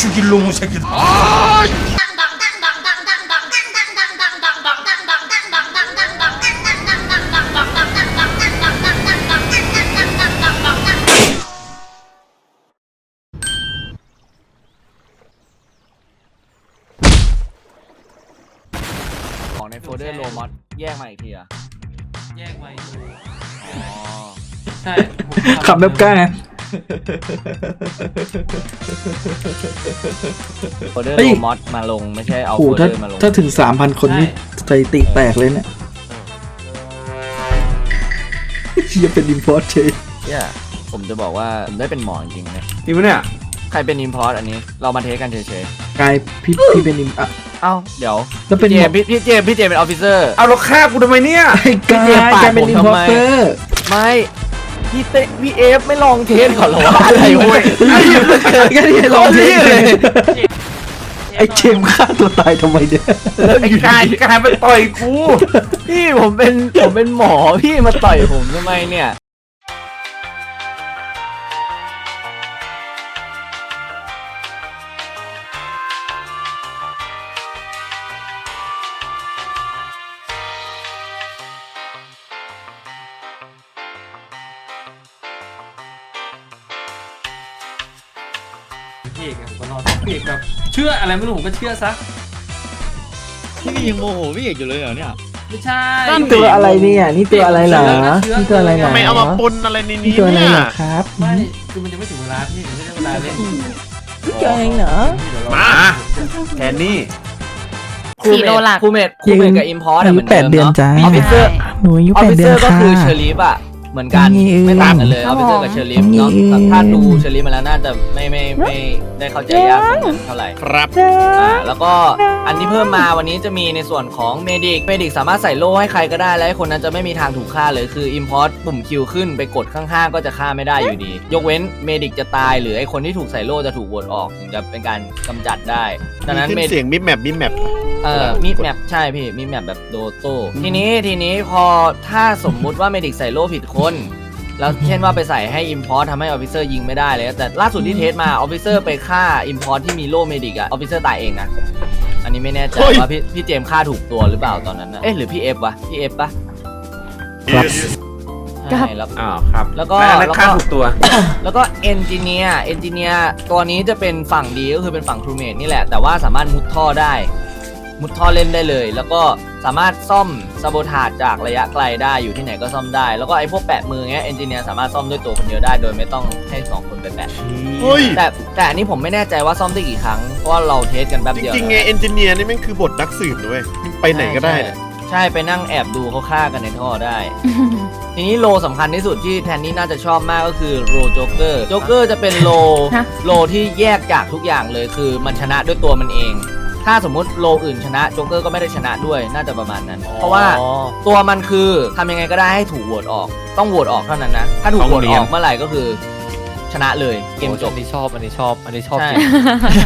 이놈의 새끼들. ของในโฟลเดอร์โลมอสแยกมาอีกทีอะแยกมาอีกอ๋อใช่ขับแบบกล้าโฟลเดอร์เฮ้ยโลมอสมาลงไม่ใช่เอาโอ้โฟโหลเดอร์มาลงถ้าถึง 3,000 คนนี่สถิติแตกเลยเนี่ยจะเป็นอินพอร์ตเชยเนี่ยผมจะบอกว่าผมได้เป็นหมอจริงๆนะนี่มันเนี่ยใครเป็นอินพอร์ตอันนี้เรามาเทสกันเฉยกลายพี่เป็นอินอ่ะๆเอ้าเดี๋ยวแล้วเป็นพี่เจมส์เป็นออฟฟิเซอร์เอาแล้วฆ่ากูทำไมเนี่ยไอ้กลายเป็นอินพอร์เตอร์ไม่พี่เอฟไม่ลองเทสก่อนเหรอวะอะไรเว้ยก็นี่ลองเทสเลยไอ้เจมฆ่าตัวตายทำไมเนี่ยไอ้กายมาต่อยกูพี่ผมเป็นหมอพี่มาต่อยผมทำไมเนี่ยพี่เอกผมก็รอดพี่เอกแบบเชื่ออะไรไม่รู้ผมก็เชื่อซะพี่ยังโมโหพี่เอกอยู่เลยเหรอเนี่ยไม่ใช่นี่ตัวอะไรเนี่ยนี่ตัวอะไรเหรอนี่ตัวอะไรเหรอทำไมเอามาปนอะไรในนี่นี้ตัวอะไรเนี่ยเหรอครับไม่คือมันจะไม่ถึงเวลาพี่มันไม่ได้เวลาเล่นตัวอะไรเหรอมาแทนนี่ 4 โลหลักคูเมดกับอิมพอร์ตอาเหยุมือน 8 เดิเดือนมเนาะจ้าออฟฟิเซอร์หนูอายุออฟ 8 ฟิเดืเซออน ร์ก็ค่ะคือเชอรีฟอะเหมือนกันนี่เองไม่ต่างกันเลยคอรัอบ ฟฟิเซอร์กับเชอรีฟเนาะนี่เองถ้าดูเชอรีฟมาแล้วน่าจะไม่ได้เข้าใจยากเท่าไหร่ครับแล้วก็อันที่เพิ่มมาวันนี้จะมีในส่วนของเมดิกสามารถใส่โล่ให้ใครก็ได้และให้คนนั้นจะไม่มีทางถูกฆ่าเลยคือ Import ปุ่มคิวขึ้นไปกดข้างๆก็จะฆ่าไม่ได้อยู่ดี ยกเว้นเมดิกจะตายหรือไอคนที่ถูกใส่โล่จะถูกโหวตออกถึงจะเป็นการกำจัดได้ดังนั้นขึ้นเสียงมิดแมปมีแมปใช่พี่มีแมปแบบโดโต้ทีนี้พอถ้าสมมุติว่าเมดิกใส่โล่ผิดคนแล้วเช่นว่าไปใส่ให้ Import ทำให้ Officer ยิงไม่ได้เลยแต่ล่าสุดที่เทสมา Officer ไปฆ่า Import ที่มีโล่เมดิกอะ Officer ตายเองนะอันนี้ไม่แน่ใจว่าพี่เจมส์ฆ่าถูกตัวหรือเปล่าตอนนั้นนะหรือพี่เอฟวะพี่เอฟปะครับใช่แล้วอ้าวครับแล้วก็ฆ่าถูกตัวแล้วก็เอนจิเนียร์ตัวนี้จะเป็นฝั่งดีก็คือเป็นฝั่งครูเมทนี่แหละแต่ว่าสามารถมุดท่อได้มุดท่อเล่นได้เลยแล้วก็สามารถซ่อมซาโบทาจจากระยะไกลได้อยู่ที่ไหนก็ซ่อมได้แล้วก็ไอ้พวกแปะมือเงี้ยเอนจิเนียร์สามารถซ่อมด้วยตัวคนเดียวได้โดยไม่ต้องให้2คนไปแปะเฮ้ยแต่อันนี้ผมไม่แน่ใจว่าซ่อมได้กี่ครั้งเพราะว่าเราเทสกันแป๊บจเดียวริงๆไงเอนจิเนียร์นี่แม่งคือบทนักสืบด้วยไปไหนก็ได้ใช่ไปนั่งแอบดูเขาฆ่ากันในท่อได้ ทีนี้โลสำคัญที่สุดที่แทนนี่น่าจะชอบมากก็คือโลโจ๊กเกอร์จะเป็นโลที่แยกจากทุกอย่างเลยคือมันชนะด้วยตัวมันเอง ถ้าสมมุติโลอื่นชนะโจ๊กเกอร์ก็ไม่ได้ชนะด้วยน่าจะประมาณนั้น เพราะว่าตัวมันคือทำยังไงก็ได้ให้ถูกโหวตออกต้องโหวตออกเท่านั้นนะถ้าถูกโหวตออกเมื่อไหร่ก็คือชนะเลยเกมจบอันนี้ชอบใช่จริง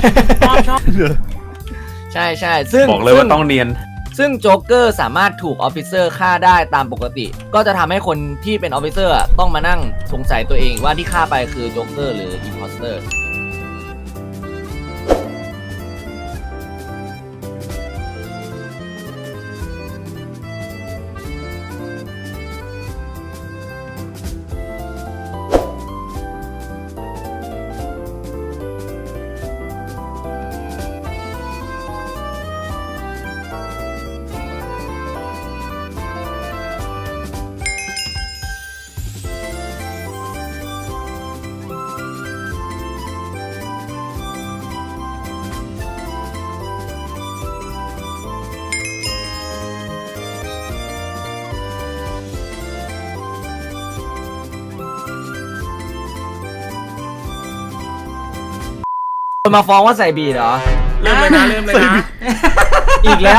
ใช่ซึ่งบอกเลยว่าต้องเนียนซึ่งโจ๊กเกอร์สามารถถูกออฟฟิเซอร์ฆ่าได้ตามปกติ ก็จะทำให้คนที่เป็นออฟฟิเซอร์ต้องมานั่งสงสัยตัวเองว่าที่ฆ่าไปคือโจ๊กเกอร์หรืออิมพอสเตอร์มาฟ้องว่าใส่บีดเหรอเริ่มเลยนะอีกแล้ว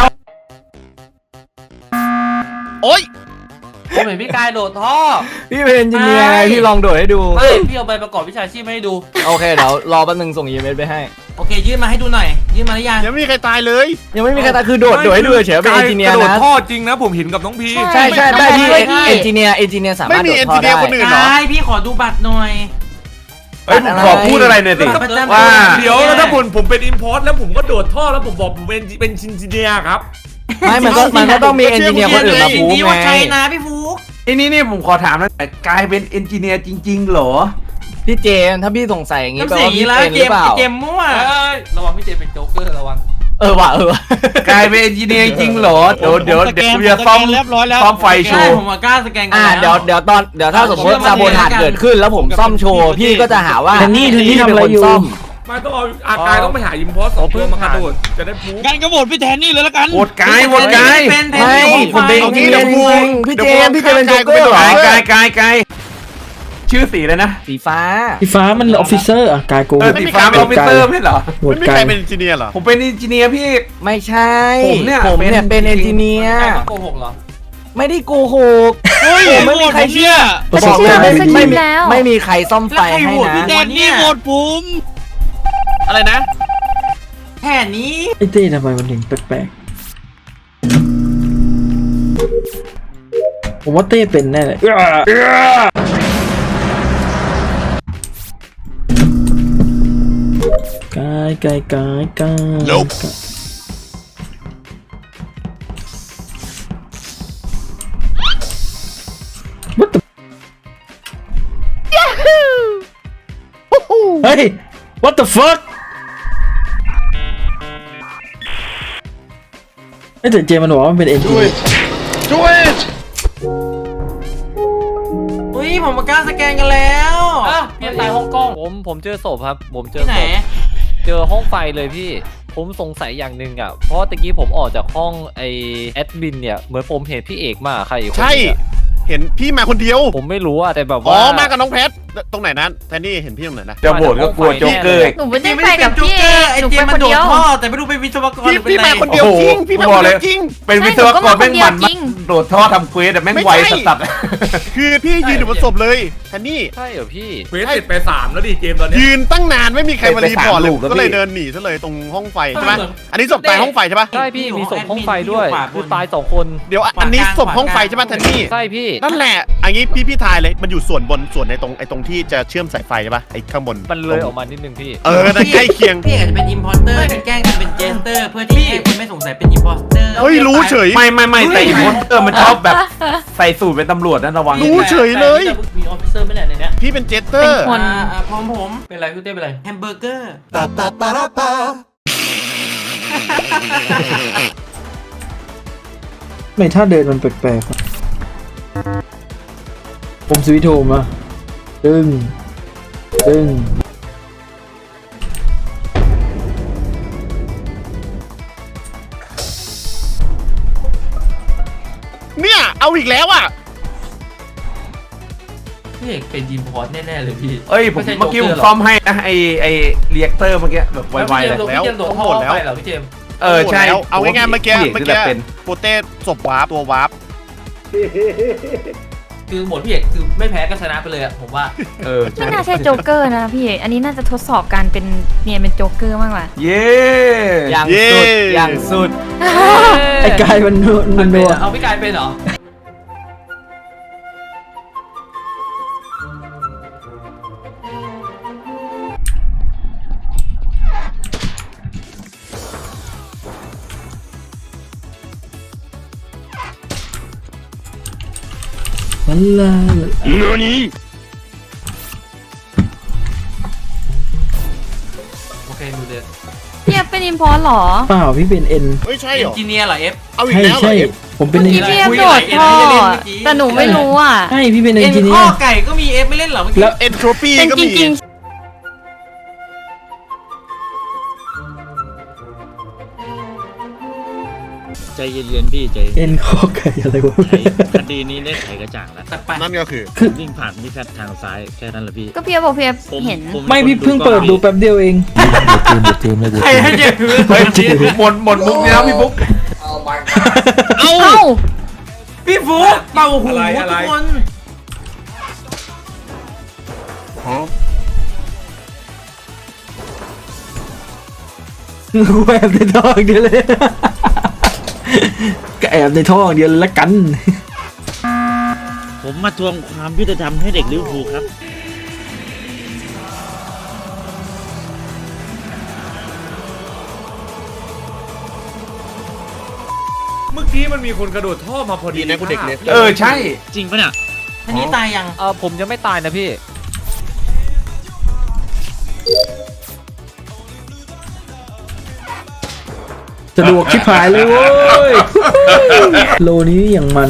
โอ๊ยผมเห็นพี่กายโดดท่อพี่เป็นเอนจิเนียร์ไงพี่ลองโดดให้ดูเฮ้ยพี่เอาใบประกอบวิชาชีพมาให้ดูโอเคเดี๋ยวรอแป๊บนึงส่งอีเมลไปให้โอเคยื่นมาให้ดูหน่อยยื่นมาหรือยังยังไม่มีใครตายเลยยังไม่มีใครตายคือโดดให้ดูเฉยๆเป็นเอนจิเนียร์กระโดดนะท่อจริงนะผมเห็นกับน้องพีใช่ได้พี่ไม่เอนจิเนียร์สามารถโดดท่อได้ไม่มี engineer คนอื่นกายพี่ขอดูบัตรหน่อยเอ้ยผมขอพูดอะไรหน่อยสิว่าเดี๋ยวแล้วถ้าผมเป็นอิมพอร์ตแล้วผมก็โดดท่อแล้วผมบอกผมเป็นชินจิเนียครับไม่มันก็ต้องมีเอนจิเนียร์คนอื่นมาพูดนี่ไงว่าใช่นะพี่ฟุกนี่ผมขอถามนะกลายเป็นเอนจิเนียร์จริงๆเหรอพี่เจมส์ถ้าพี่สงสัยอย่างงี้น้ำแปลเสียงว่านี้พี่แล้วเป็นหรือเปล่าเจมมั่วระวังพี่เจมเป็นโจ๊กเกอร์ระวังว่ะกลายเป็นเอนจิเนียร์จริงเหรอเดี๋ยวจะซ่อมเรียบร้อยแล้วซ่อมไฟโชใช่ว์ผมกล้าสแกนกันเดี๋ยวถ้าสมมติซาโบทาดเกิดขึ้นแล้วผมซ่อมโชว์พี่ก็จะหาว่าแทนนี่ทำอะไรอยู่เป็นคนซ่มไม่ต้องเอาอากายต้องไปหาอิมพอร์ตสองตัวมากระโดดจะได้พูดกันก็โหวตพี่แทนนี่เลยละกันโหวตกายโหวตกายเป็นแทนไม่นี่ผมเป็นของพี่ไฟเจมส์พี่เจมส์เป็นโจ๊กเกอร์เหรอกายชื่อสีเลยนะสีฟ้าสีฟ้ามันออฟฟิเซอร์อ่ะกายโกสีฟ้าเป็นออฟฟิเซอร์ไม่เหรอโหวไม่ตมีกาใครยเป็นเอนจิเนียร์เหรอผมเป็นเอนจิเนียร์พี่ไม่ใช่ผมเนี่ยเป็นเอนจิเนียร์ใช่โกหกเหรอไม่ได้โกหกเฮ้ยไม่มีใครเชื่อประสบบ อกการณ์เลยไม่ดีไม่มีใครซ่อมไฟให้นะพี่แทนนี่โหวตผมอะไรนะแทนนี้ไอ้เต้ทำไมมันถึงแปลกๆผมว่าเต้เป็นแน่เลยกาย What the เฮ้ย What the fuck ไอ้แต่เจมันบอกว่ามันเป็นเอ็นจีเฮ้ยผมกล้าสแกนกันแล้วพี่ตายฮ่องกงผมเจอศพครับ ผมเจอที่ไหนศพเจอห้องไฟเลยพี่ ผมสงสัยอย่างหนึ่งอ่ะ เพราะตะกี้ผมออกจากห้องไอแอดมินเนี่ย เหมือนผมเห็นพี่เอกมาใครอีกคนใช่นึงอะเห็นพี่มาคนเดียวผมไม่รู้อะแต่แบบอ๋อว่ามากับน้องแพทตรงไหนนั้นแทนนี่เห็นพี่ตรงไหนนะจะโหวตก็กลัวโจ๊กเกอร์หนูไม่ได้ไม่ไปได้เป็กับนโจ๊กพี่เกอร์ไอหนูเจไปมคมันนโดดเดียวท่อแต่ไม่รู้เป็นวิศวกรหรือเป็นพี่อะไรมาคนเดียวจริงพี่มาบคอกนเลเดียยวจริงเป็นวิศวกรแม่งมันโดดท่อทำเควสแต่แม่งไวสัสคือพี่ยืนอยู่บนศพเลยแทนนี่ใช่เหรอพี่เควสเสร็จไป3แล้วดิเกมตอนนี้ยืนตั้งนานไม่มีใครมารีพอร์ตเลยก็เลยเดินหนีซะเลยตรงห้องไฟใช่ไหมอันนี้ศพตายห้องไฟใช่ปะใช่พี่มีศพห้องไฟด้วยคือตาย2 คนเดี๋ยวอันนี้ศพห้องไฟใช่ปะแทนนี่ใช่พี่นั่นแหละอันนี้พี่ทายเลยมันอยู่ส่วนบนส่วนในตรงที่จะเชื่อมสายไฟใช่ปะไอ้ข้างบนมันเลยออกมานิดนึงพี่นั่นใกล้เคียงพี่อาจจะเป็นอิมพอร์เตอร์เป็นแกล้งกันเป็นเจสเตอร์เพื่อที่ให้คนไม่สงสัยเป็นอิมพอร์เตอร์เฮ้ยรู้เฉยๆไม่แต่อีโพสเตอร์มันชอบแบบใส่สูตรเป็นตำรวจนั่นระวังรู้เฉยเลยมีออฟฟิเซอร์ไม่แหละในเนี้ยพี่เป็นเจสเตอร์คนผมเป็นไรพี่เต้เป็นไรแฮมเบอร์เกอร์ไม่ถ้าเดินมันแปลกๆอะผมสวิตช์โฮมอ่ะตึ้งเนี่ยเอาอีกแล้วอ่ะพี่เอกเป็นอิมพอร์ตแน่ๆเลยพี่เอ้ยผมเมื่อกี้ผมซ่อมให้นะไอเรียกเตอร์เมื่อกี้แบบไวๆเลยพี่เจมส์โดดท่อไปเหรอพี่เจมส์ใช่เอาง่ายๆเมื่อกี้พี่กเป็นโปเต้ศพวาร์ปตัววาร์ปคือหมดพี่เอกคือไม่แพ้ก็ชนะไปเลยอะผมว่าไม่น่าใช่โจ๊กเกอร์นะพี่ อันนี้น่าจะทดสอบการเป็นเนี่ยเป็นโจ๊กเกอร์มากกว่าเย้อย่างสุดไอ้กายมันนัวเอาพี่กายเป็นเหรอมันลาโอเคดูเดือดเนี่ยเป็นอิมพอร์ตหรอเปล่าพี่เป็นเอ็นเฮ้ยใช่เอเหรนอจิเนียร์เหรอเอฟเอาอีกใช่แล้วเหรอใช่เอฟผมเป็นเมื่อกี้พี่เอฟโดดท่อแต่หนูไม่รู้อ่ะใช่พี่เป็นเอเอ็นนจิเนีข้ยอร์ไก่ก็มีเอฟไม่เล่นเหรอเมื่อกี้แล้วเอ็นโทรปีเป็นก็จมีริงใจเย็นๆพี่ใจเอ็นข้อไก่อะไรวะคดีนี้ได้ไขกระจ่างแล้วแต่ไปนั่นก็คือวิ่งผ่านพี่แพทย์ทางซ้ายแค่นั้นแหละพี่ๆก็พี่เอฟบอกพี่เอฟเห็นไม่พี่เพิ่งเปิดดูแป๊บเดียวเองใครให้เจ็บเฮ้ยหมดมุกนี้แล้วพี่บุ๊กเอ้าพี่ฟุกเป่าหูทุกคนกูแอบในท่ออย่างเดียวเลย ก็แอบในท่ออย่างเดียวเลยละกันผมมาทวงความยุติธรรมให้เด็กลิเวอร์พูลครับมันมีคนกระโดดท่อมาพอดีนะกูเด็กเนี่ยใช่จริงปะเนี่ยอันนี้ตายยังผมยังไม่ตายนะพี่สะดวกชิบหายเลยเว้ย โลนี้อย่างมัน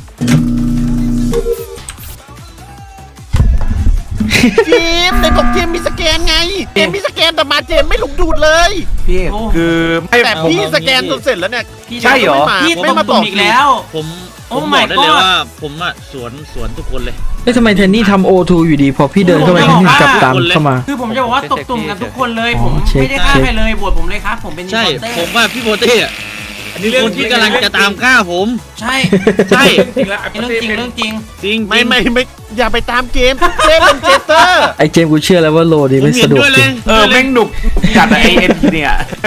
เจมในบอกเจมมีสแกนไงเจมมีสแกนแต่มาเจมไม่ลงดูดเลยพี่คือไม่แต่ผมพี่สแกนจนเสร็จแล้วเนี่ยใช่เหรอพี่ไม่ต้มามบตุ่อกมอีกแล้วผมโอ้ผม my บอกได้เลย god ว่าผมอะสวนทุกคนเลยเฮ้ยทำไมแทนนี่ทำโอทูอยู่ดี พอพี่เดินเข้าไปแทนนี่กลับตามเข้ามาคือผมจะบอกว่าตบตุ่มกันทุกคนเลยอ๋อผมเช็คไม่ได้ฆ่าใครเลยบวชผมเลยครับ ผมเป็นใช่อินโพสเตอร์ผมว่าพี่โบเต้อะอันนี้เรื่องคนที่กำลังจะตามฆ่าผมใช่ใช่จริงแล้วเรื่องจริงเรื่องจริงจริงไม่อย่าไปตามเกมเจมเป็นเจสเตอร์ไอเจมส์กูเชื่อแล้วว่าโลผนี้มไม่เห็สะนดวกด้วยเลจริยงแม่งหนุกจัดไอเอ็นเนี่ย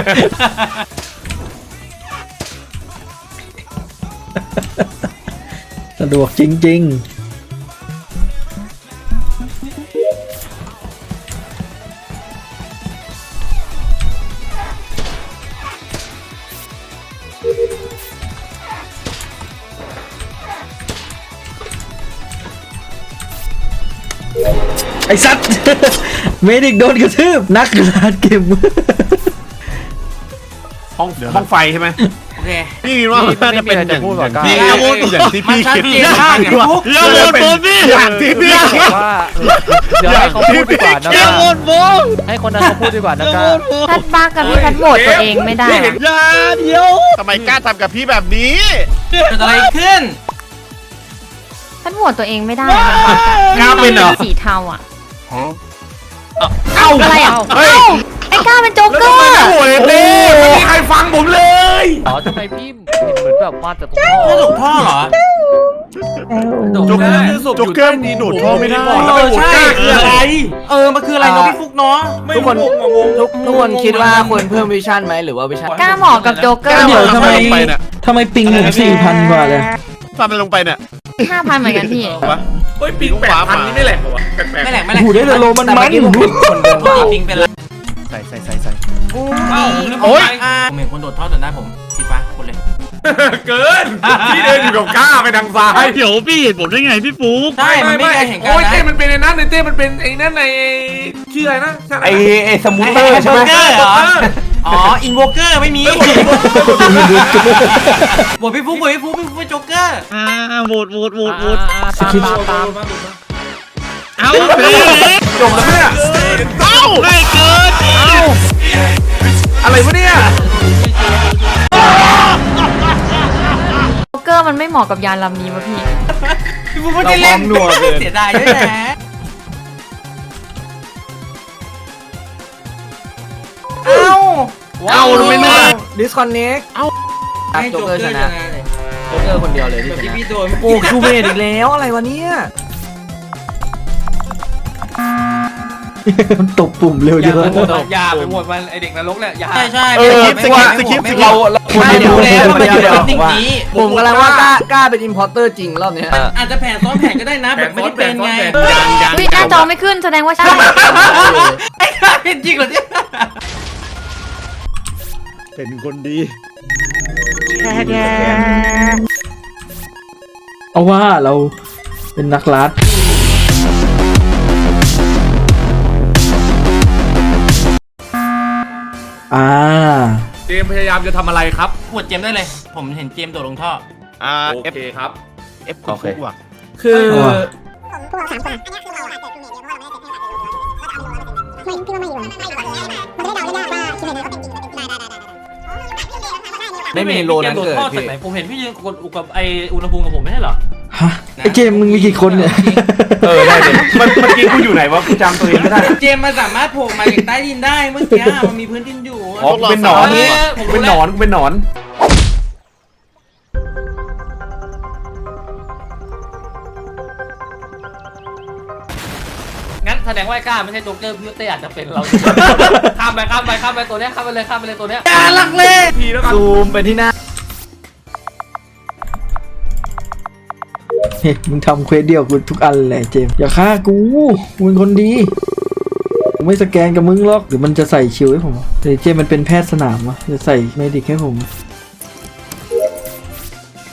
สะดวกจริง ๆ ไอสัตว์ เมดิกโดนกระทืบนักกราดเกมห้องไฟใช่ไหมโอเคพี่คิดว่าน่าจะเป็นอย่างพี่ที่อย่าโหวตอย่างที่มันพี่ชัดคิดเจนมากพี่ฟุ๊กอย่าโหวตผมพี่อย่างที่พี่บคิอดกว่าเดี๋ยวให้เขาพูดดีกว่านะอย่าโหวตผมให้คนนั้นเขาพูดดีกว่านะอย่าก้าโหวตผมทัดบ้ากับพี่ทัดโหวตตัวเองไม่ได้อะอย่าเดี๋ยวทำไมกล้าทำกับพี่แบบนี้เกิดอะไรขึ้นทัดโหวตตัวเองไม่ได้อะกล้าเป็นเหรอสีเทาอ่ะเอ้าอะไรอ่ะเฮ้ยเอ้าไอ้ก้าเป็นโจ๊กเกอร์โอ้ยเต้ไม่มีใครฟังผมเลยอ๋อทำไมพี่เห็นเหมือนแบบมาจากตรงท่อไม่ตกท่อเหรอโจ๊กเกอร์โจ๊กเกอร์ดีโดดท่อไม่ได้ใช่คืออะไรมันคืออะไรเนาะพี่ฟุ๊กเนาะทุกคนทุกคนคิดว่าควรเพิ่มวิชั่นไหมหรือว่าวิชั่นก้าเหมาะกับโจ๊กเกอร์เดี๋ยวทำไมไปเนี่ยทำไมปิงหนึ่ง4,000 กว่าเลยทำมันลงไปเนี่ย 5,000เหมือนกันพี่เฮ้ยปิง8,000นี่ไม่แหลกเหรอวะแปลกไม่แหลกไม่แหลกหูได้แต่โลมันแต่มัเมื่อน กี้ผมเห็นคนเดินปกติปิงเป็นไรใส่โอ้ยผมเห็นคนโดดท่อจนได้ผมสีฟ้าคนเลยๆเกินที่เดินอยู่กับก้าไปทางซ้ายเดี๋ยวพี่เห็นผมได้ไงพี่ฟุ๊กใช่มันไม่ได้เห็นกันโอ้ยนะเต้มันเป็นไอ้นั่นไอ้เต้มันเป็นไอ้นั่นไอ้ชื่ออะไรนะไอสมูทเตอร์ใช่ไหมโจ๊กเกอร์เหรออ๋ออินโวเกอร์ไม่มีบวชพี่ฟุ๊กพี่ฟุ๊กเป็นโจ๊กเกอร์โหวตสคริปต์ตามเอาไปเลยจบแล้วเนี่ยเอ้าไม่เกินอะไรวะเนี่ยโจ๊กเกอร์มันไม่เหมาะกับยานลำนี้วะพี่พี่ฟุ๊กไม่ได้เล่นเสียดายด้วยนะเอ้าไม่น่าดิสคอนเน็กให้โจ๊โจ๊กกเกอร์เกชอร์ชนะนะโจ๊กเกอร์คนเดียวเลยที่แบบชที่นะพี่โดนโอ้ชูเมดอีกแล้วอะไรวะเนี่ยมันตบปุ่มเร็วเยอะอย่าไปหมดมันไอเด็กนรกเนี่ยอย่าใช่ใช่สกิปเราควรจะดูดูแล้วมันไม่จะเดี๋ยวเป็นสิ่งนี้ผมกำลังว่ากล้าเป็นอินพอร์เตอร์จริงรอบเนี้ยอาจจะแผนซ้อนแผนก็ได้นะแบบไม่ได้เป็นไงวิหน้าจอไม่ขึ้นแสดงว่าใช่ไอ้ข้าเป็นจริงเหรอเนี่ยเป็นคนดีเอาว่าเราเป็นนักลัดเจมส์พยายามจะทำอะไรครับปวดเจมได้เลย ผมเห็นเจมโดดลงท่อโอเคครับเอฟคุณฟุกว่ะคือเอาว่ะพวกเรา3 คนอันนี้คือเราอาจจะเป็นเมดเพราะเราไม่ได้เป็นไม่พี่ว่าไม่อยู่มันจะได้เดาได้ว่าคิดเลยนะว่าเป็นจริงหรือเป็นได้ไม่มีโลนั้นเกิดท่อจากพี่ไหนผมเห็นพี่ยืนกดกับไออุณหภูมิกับผมไม่ใช่เหรอฮะไอเจมส์มึงมีกี่คนเนี่ยได้เลยเมื่อกี้กูอยู่ไหนวะกูจำตัวเองไม่ได้เจมมันสามารถโผล่มาจากใต้ดินได้เมื่อกี้มันมีพื้นดินอยู่อ๋อกูเป็นหนอนกูเป็นหนอนกูเป็นหนอนงั้นแสดงว่าไอ้ก้าไม่ใช่โจ๊กเกอร์พี่เต้อาจจะเป็นเรา ข้ามไปตัวเนี้ยข้ามไปเลยตัวเนี้ยอย่าลักเล่ทีแล้วกันซูมไปที่หน้าเฮ้ยมึงทำเควสเดียวกูทุกอันแหละเจมส์อย่าฆ่ากูมึงคนดีกูไม่สแกนกับมึงหรอกหรือมันจะใส่ชิวให้ผมแต่เจมส์มันเป็นแพทย์สนามวะจะใส่เมดิกให้ผม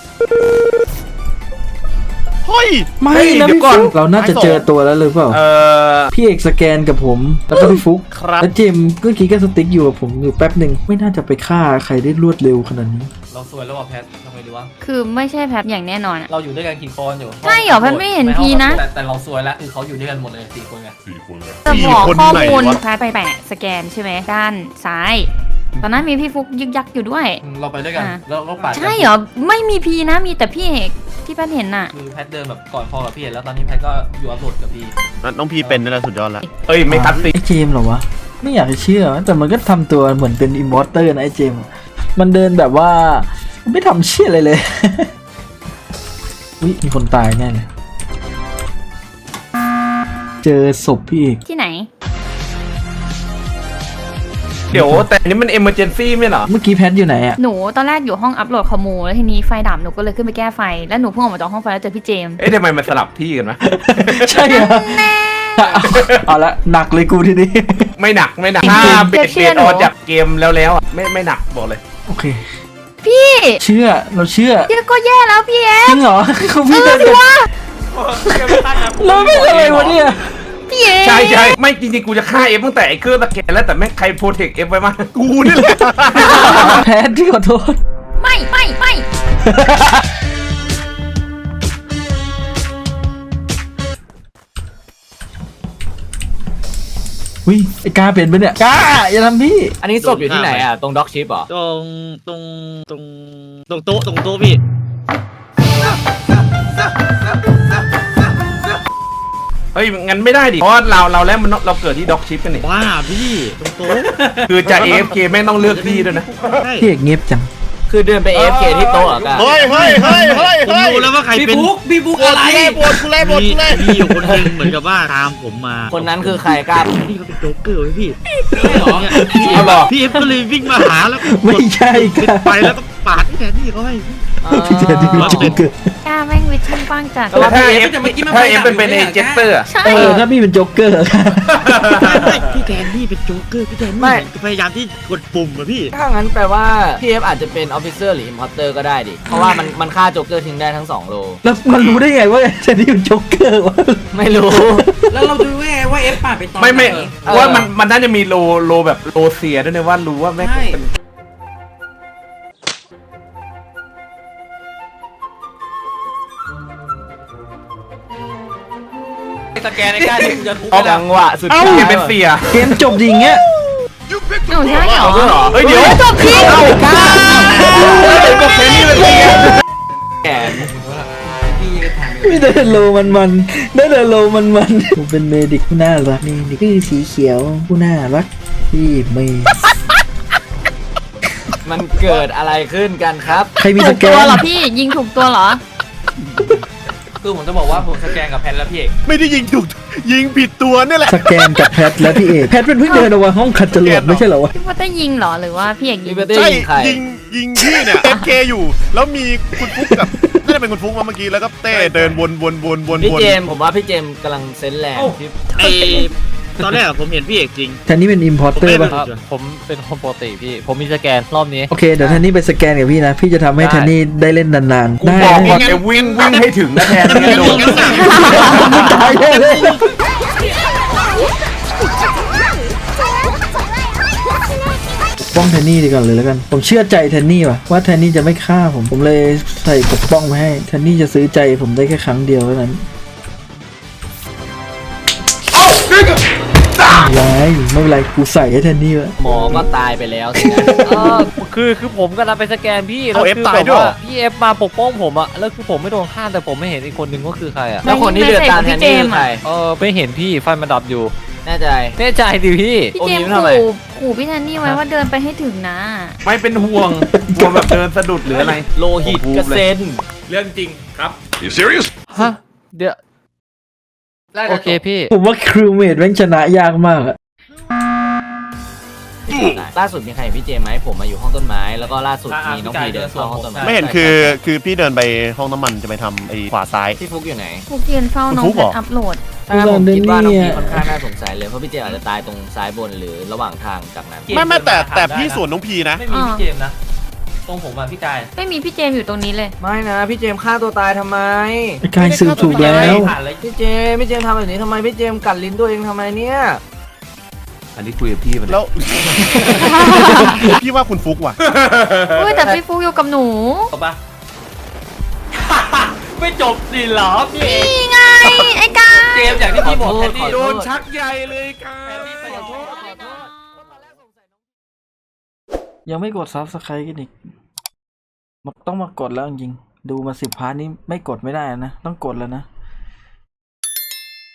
ฮ้ยไม่เฮ้ยนะเดี๋ยวพี่ก่อนฟุกเราน่าจะเจอตัวแล้วหรือเปล่า พี่เอกสแกนกับผมแล้วก็พี่ฟุกครับแล้วเจมส์เมื่อกี้ก็สติ๊กอยู่กับผมอยู่แป๊บหนึ่งไม่น่าจะไปฆ่าใครได้รวดเร็วขนาดนี้เราสวยแล้วว่ะแพททำไงดีวะคือไม่ใช่แพทอย่างแน่นอนอะเราอยู่ด้วยกันกี่คนอยู่ใช่เหรอแพทไม่เห็นพีนะแต่เราสวยแล้วคือเขาอยู่ด้วยกันหมดเลย4 คนไงแต่บอกข้อมูล 4 คนไหนวะแพทไปแปะสแกนใช่ไหมด้านซ้าย ตอนนั้นมีพี่ฟุกยึกยักอยู่ด้วยเราไปด้วยกันอ่ะแล้วก็ปาดกันใช่เหรอไม่มีพีนะมีแต่พี่เอกที่แพทเห็นน่ะคือแพทเดินแบบก่อนพอกับพี่เห็นแล้วตอนนี้แพทก็อยู่อัพโหลดกับพี่น้องพีเป็นนี่แหละสุดยอดแล้วเฮ้ยไม่คัดสิไอ้เจมส์เหรอวะไม่อยากจะเชื่อแต่มันก็ทำตัวเหมือนเป็นอิมมอร์เตอร์นะไอ้เจมส์มันเดินแบบว่าไม่ทำเชี่ยอะไรเลย อุ๊ยมีคนตายแน่เลยเจอศพพี่เอกที่ไหนเดี๋ยวแต่อันนี้มัน emergency ไม่เหรอเมื่อกี้แพทอยู่ไหนอะหนูตอนแรกอยู่ห้องอัพโหลดข้อมูลแล้วทีนี้ไฟดับหนูก็เลยขึ้นไปแก้ไฟแล้วหนูเพิ่งออกมาจากห้องไฟแล้วเจอพี่เจมส์เอ๊ะทำไมมันสลับที่กันวะใช่เหรอเอาละหนักเลยกูทีนี้ไม่หนักถ้าเบรดออกจากเกมแล้วอ่ะไม่หนักบอกเลยโอเคพี่เชื่อเราเชื่อพี่ก็แย่แล้วพี่เอจริงเหรอเขาพี่เดินกันเราไม่อะไรวะเนี่ยพี่เอใช่ไม่จริงๆกูจะฆ่าเอฟตั้งแต่ไอ้เครื่องตะแกรงแล้วแต่แม่งใครโปรเทคเอฟไว้มากูนี่แหละแพทที่ขอโทษไม่วิไอ้กาเป็นปะเนี่ยกาอย่าทำพี่อันนี้ศพอยู่ที่ไหนอ่ะตรงด็อกชิปเหรอตรงโต๊ะพี่เฮ้ยงั้นไม่ได้ดิเพราะว่าเราแล้วมันเราเกิดที่ด็อกชิปกันนี่ว้าพี่ตรงโต๊ะคือจะ AFK แม่งต้องเลือกที่ด้วยนะใช่พี่เอกเงียบจังคือเดินไป AFK ที่โต๊ะเหรอกันเฮ้ยผมรู้แล้วว่าใครเป็นพี่บุ๊กอะไรกูเล่มีอยู่คนหนึงเหมือนกับว่าตามผมมาคนนั้นคือใครกล้านี่เขาเป็นโจ๊กเกอร์ไว้พี่เหรอเอาหรอพี่เอฟก็เลยวิ่งมาหาแล้วไม่ใช่กาไปแล้วก็ปาดที่แทนที่เขาให้พี่เจดีโจ๊กเกอร์กล้าแม่งวิชั่นกว้างจัดแล้วถ้าเอฟเป็นเอเจสเตอร์ใช่ถ้าพี่เป็นโจ๊กเกอร์ไม่พี่แทนนี่เป็นโจ๊กเกอร์พี่แทนนี่พยายามที่กดปุ่มอะพี่ถ้างั้นแปลว่าพี่เอฟอาจจะเป็นออฟฟิเซอร์หรืออิมพอร์เตอร์ก็ได้ดิ เพราะว่ามันฆ่าโจ๊กเกอร์ทิ้งได้ทั้ง2 โลแล้วมันรู้ได้ไงว่าเจดีเป็นโจ๊กเกอร์วะไม่รู้แล้วเราดูว่าเอฟปาดไปตอนไม่ไหนว่ามันน่าจะมีโลแบบโลเซียด้วยนะว่ารู้ว่าแม่งเป็นสแกนในกล้าที่กูจะทุบจังหวะสุดท้ายเป็นเสียเกมจบดีอย่างเงี้ยหนูใช่เหรอเฮ้ยเดี๋ยวจบพี่กล้าก็แค่นี้เป็นเสียแขนพี่ก็ถามไม่ได้โลมันได้แต่โลมันผมเป็นเมดิกผู้น่ารักนี่คือสีเขียวผู้น่ารักที่ไม่มันเกิดอะไรขึ้นกันครับใครมีถูสกแกตัวน เหรอพี่ยิงถูกตัวเหรอคือผมจะบอกว่าผมสแกนกับแพทแล้วพี่เอกไม่ได้ยิงถูกยิงผิดตัวนี่แหละสแกนกับแพทและพี่เอกแพทเป็นเพิ่งเดินออกมาห้องขัดจรวดไม่ใช่เหรอวะพี่ว่าได้ยิงเหรอหรือว่าพี่เอกยิงพี่เต้ใช่ยิงใครยิงพี่เนี่ย FK อยู่ แล้วมีคุณฟุกกับน่าจะเป็นคุณฟุกมาเมื่อกี้แล้วก็เต้เดินวนพี่เจมส์ผมว่าพี่เจมส์กำลังเซนส์แรงที่ไอตอนแรกอะผมเห็นพี่เอกจริงแทนนี่เป็นอิมพอร์เตอร์ป่ะผมเป็นคนปกติพี่ ผมมีสแกนรอบนี้โอเคเดี๋ยวแทนนี่ไปสแกนกับพี่นะ พี่จะทำให้แทนนี่ได้เล่นนานๆกูได้บอกได้ก่อนจะวิ่งให้ถึงนะแทนไม่โดนตายแน่เลยปกป้องแทนนี่ดีกว่าเลยแล้วกัน ผมเชื่อใจแทนนี่ว่ะว่าแทนนี่จะไม่ฆ่าผมเลยใส่ปกป้องมาให้แทนนี่จะซื้อใจผมได้แค่ครั้งเดียวเท่านั้นไม่เป็นไรกูใส่ให้แทนนี่วะหมอก็ตายไปแล้วสินะคือผมกำลังไปสแกนพี่ แล้วคือแบบว่าพี่เอฟมาปกป้องผมอะแล้วคือผมไม่โดนฆ่าแต่ผมไม่เห็นอีกคนนึงก็คือใครอะแล้วคนที่เดือดตามแทนนี่คือใครไม่เห็นพี่ไฟมันดับอยู่แน่ใจแน่ใจดิพี่พี่เจมส์ขู่พี่แทนนี่ไว้ว่าเดินไปให้ถึงนะไม่เป็นห่วงกลัวแบบเดินสะดุดหรืออะไรโลหิตกระเซ็นเรื่องจริงครับฮะ เดี๋ยว โอเคพี่ผมว่าครูเมดแม่งชนะยากมากอะล่าสุดมีใครเห็นพี่เจมส์ไหมผมมาอยู่ห้องต้นไม้แล้วก็ล่าสุดมีน้องพีเดินเข้าห้องต้นไม้ไม่เห็นคือพี่เดินไปห้องน้ำมันจะไปทำไอ้ขวาซ้ายพี่ฟุกอยู่ไหนพวกยืนเฝ้าน้องฟุกแพเหรอทอัพโหลดถ้างั้นผมคิดว่าน้องพีค่อนข้างน่าสงสัยเลยเพราะพี่เจมส์อาจจะตายตรงซ้ายบนหรือระหว่างทางจากนั้นไม่แต่พี่ส่วนน้องพีนะไม่มีพี่เจมส์นะตรงผมอ่ะพี่กายไม่มีพี่เจมส์อยู่ตรงนี้เลยไม่นะพี่เจมส์ฆ่าตัวตายทำไมไอ้กายสืบถูกแล้วผ่านเลยพี่เจมส์ทำแบบนี้ทำไมพี่เจมส์กัดลิ้นตัวเองทำไมเนี่ยอันนี้คุยกับพี่มันแล้ว พี่ว่าคุณฟุกว่ะเฮ้ยแต่พี่ฟุกอยู่กับหนูจบปะ ไม่จบสิเหรอพี่เอนี่ไงไอ้กายเจมส์อย่างที่พี่บอกแทนที่โดนชักใยเลยกันยังไม่กด Subscribe กันอีกต้องมากดแล้วจริงๆดูมา10 พาร์ทนี้ไม่กดไม่ได้นะต้องกดแล้วนะ